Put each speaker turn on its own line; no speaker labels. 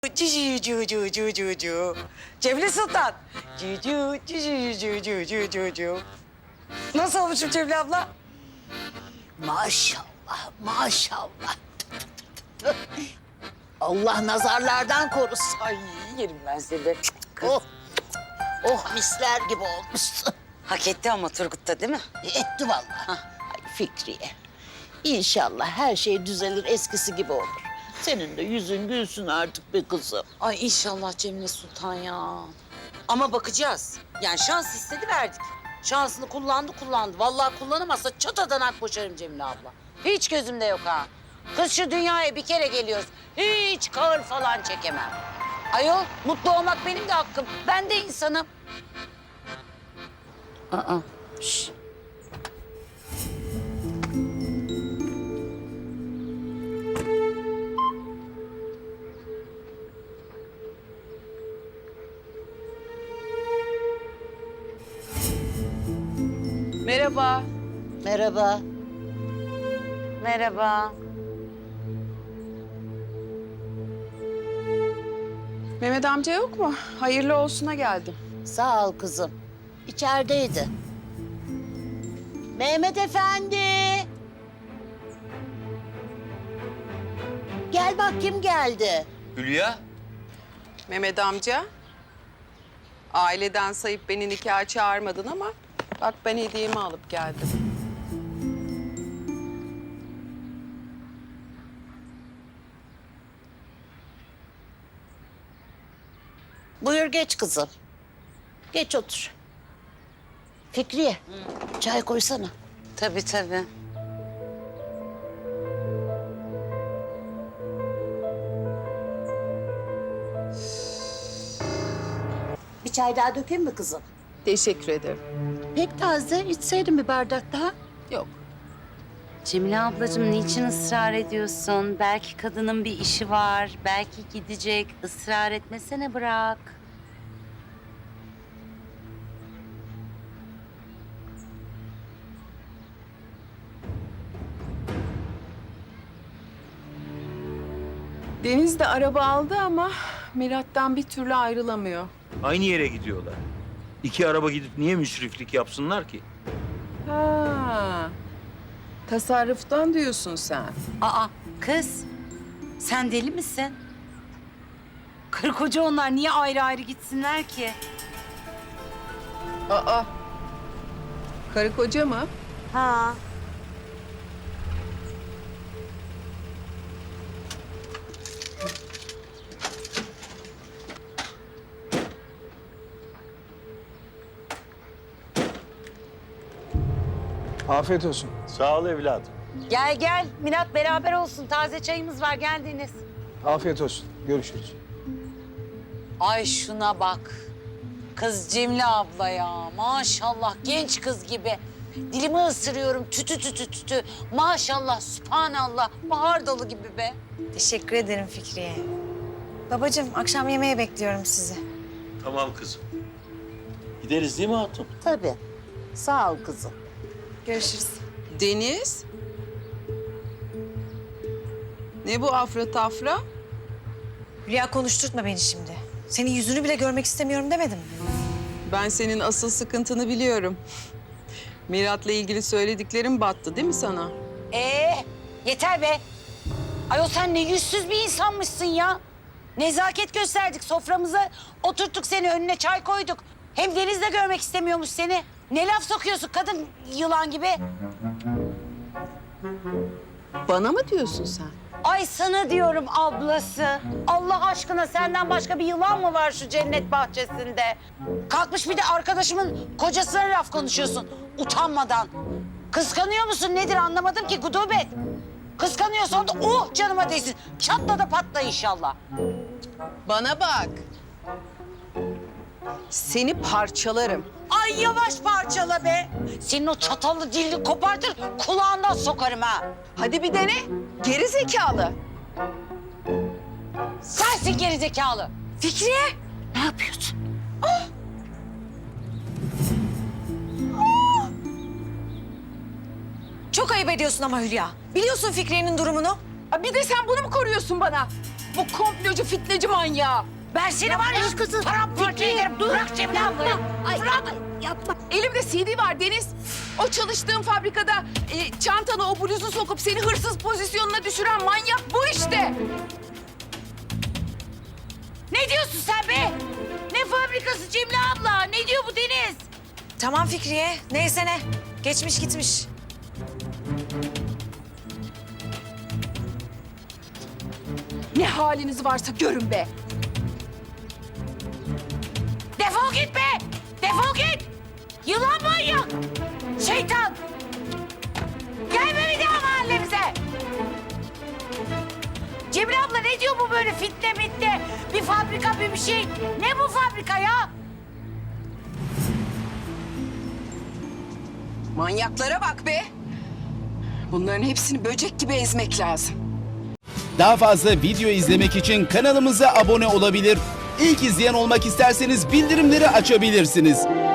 Cici cu cu cu cu cu. Cemile Sultan. Cici cici cu cu cu cu cu. Nasıl olmuşum Cemile abla?
Maşallah, maşallah. Allah nazarlardan korusun.
Ay yerim ben seni. Kız.
Oh, oh misler gibi olmuşsun.
Hak etti ama Turgut da değil mi?
Etti vallahi. Ay Fikriye. İnşallah her şey düzelir, eskisi gibi olur. Senin de yüzün gülsün artık be kızım.
Ay inşallah Cemile Sultan ya. Ama bakacağız. Yani şans istedi verdik. Şansını kullandı. Vallahi kullanamazsa çatadan ak boşarım Cemile abla. Hiç gözümde yok ha. Kız şu dünyaya bir kere geliyoruz. Hiç kahır falan çekemem. Ayol mutlu olmak benim de hakkım. Ben de insanım. Aa, şş.
Merhaba.
Merhaba.
Merhaba.
Mehmet amca yok mu? Hayırlı olsuna geldim.
Sağ ol kızım. İçerideydi. Mehmet Efendi. Gel bak kim geldi.
Hülya,
Mehmet amca. Aileden sayıp beni nikaha çağırmadın ama bak ben hediyemi alıp geldim.
Buyur geç kızım. Geç otur. Fikriye, çay koysana.
Tabii tabii.
Bir çay daha dökeyim mi kızım?
Teşekkür ederim.
Pek taze, içseydin bir bardak daha.
Yok.
Cemile ablacığım niçin ısrar ediyorsun? Belki kadının bir işi var, belki gidecek. Israr etmesene bırak.
Deniz de araba aldı ama Mirat'tan bir türlü ayrılamıyor.
aynı yere gidiyorlar. İki araba gidip niye müsriflik yapsınlar ki?
Ha. Tasarruftan diyorsun sen.
Aa kız, sen deli misin? Karı koca onlar niye ayrı ayrı gitsinler ki?
Aa. Karı koca mı?
Ha.
Afiyet olsun.
Sağ ol evladım.
Gel gel, Mirat beraber olsun. Taze çayımız var, geldiniz.
Afiyet olsun. Görüşürüz.
Ay şuna bak. Kız Cemile abla ya. Maşallah genç kız gibi. Dilimi ısırıyorum tütü tütü tütü. Maşallah, sübhanallah. Bahar dolu gibi be.
Teşekkür ederim Fikriye. Babacığım akşam yemeğe bekliyorum sizi.
Tamam kızım. Gideriz değil mi hatun?
Tabii. Sağ ol kızım.
Görüşürüz.
Deniz. Ne bu afra tafra?
Hülya konuşturtma beni şimdi. Senin yüzünü bile görmek istemiyorum demedim mi?
Ben senin asıl sıkıntını biliyorum. Mirat'la ilgili söylediklerim battı değil mi sana?
Yeter be. Ayol sen ne yüzsüz bir insanmışsın ya. Nezaket gösterdik, soframıza oturttuk seni, önüne çay koyduk. Hem Deniz de görmek istemiyormuş seni. Ne laf sokuyorsun kadın yılan gibi?
Bana mı diyorsun sen?
Ay sana diyorum ablası. Allah aşkına senden başka bir yılan mı var şu cennet bahçesinde? Kalkmış bir de arkadaşımın kocasına laf konuşuyorsun utanmadan. Kıskanıyor musun nedir anlamadım ki gudubet. Kıskanıyorsan da canıma değsin. Çatla da patla inşallah.
Bana bak. Seni parçalarım.
Ay yavaş parçala be. Senin o çatallı dilini kopartır kulağından sokarım ha.
Hadi bir dene. Geri zekalı.
Sensin gerizekalı.
Fikriye!
Ne yapıyorsun?
Çok ayıp ediyorsun ama Hülya. Biliyorsun Fikriye'nin durumunu.
Bir de sen bunu mu koruyorsun bana? Bu komplocu, fitneci manyağı.
Ben seni var ya kızım. Paramparça ederim. Bırak Cemile ablayı. Bırak.
Elimde CD var Deniz. O çalıştığım fabrikada çantana o bluzu sokup seni hırsız pozisyonuna düşüren manyak bu işte.
Ne diyorsun sen be? Ne fabrikası Cemile abla? Ne diyor bu Deniz?
Tamam Fikriye. Neyse ne. Geçmiş gitmiş.
Ne haliniz varsa görün be.
Defol git be! Defol git! Yılan manyak! Şeytan! Gelme bir daha mahallemize! Cemile abla ne diyor bu böyle fitne mitne? Bir fabrika bir şey. Ne bu fabrika ya?
Manyaklara bak be. Bunların hepsini böcek gibi ezmek lazım.
Daha fazla video izlemek için kanalımıza abone olabilir. İlk izleyen olmak isterseniz bildirimleri açabilirsiniz.